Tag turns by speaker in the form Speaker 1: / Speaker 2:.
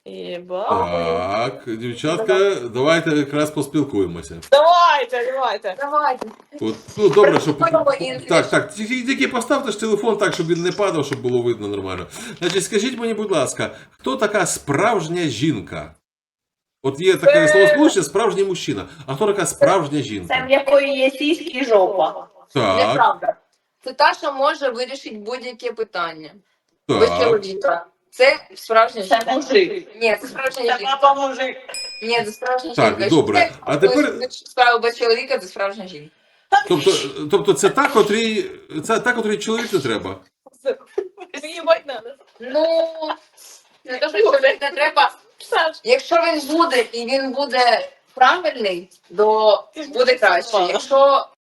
Speaker 1: Єба.
Speaker 2: Так, дівчатка, давайте якраз поспілкуємося.
Speaker 1: Давайте.
Speaker 2: От, ну, добре, щоб...
Speaker 3: Спробуй.
Speaker 2: Так, тільки поставте ж телефон так, щоб він не падав, щоб було видно нормально. Значить, скажіть мені, будь ласка, хто така справжня жінка? От є таке словосполучення «справжній мужчина». А хто така справжня
Speaker 1: Це
Speaker 2: жінка?
Speaker 1: в якої є сіськи і жопа.
Speaker 2: Так,
Speaker 3: Неправда. Це та, що може вирішити будь-яке питання. Без
Speaker 2: так.
Speaker 3: чоловіка. Це справжня
Speaker 1: Це
Speaker 3: жінка.
Speaker 1: мужик.
Speaker 3: Ні, це справжня
Speaker 1: Це
Speaker 3: жінка.
Speaker 1: папа мужик.
Speaker 3: Ні, це справжня
Speaker 2: Так,
Speaker 3: жінка.
Speaker 2: добре.
Speaker 3: Якщо
Speaker 2: А тепер-
Speaker 3: справа без чоловіка, це справжня жінка.
Speaker 2: Тобто це та, котрій чоловік не треба?
Speaker 1: Їбать надо.
Speaker 3: Ну, не те, що чоловік не треба. Якщо він буде і він буде правильний, то буде краще. Якщо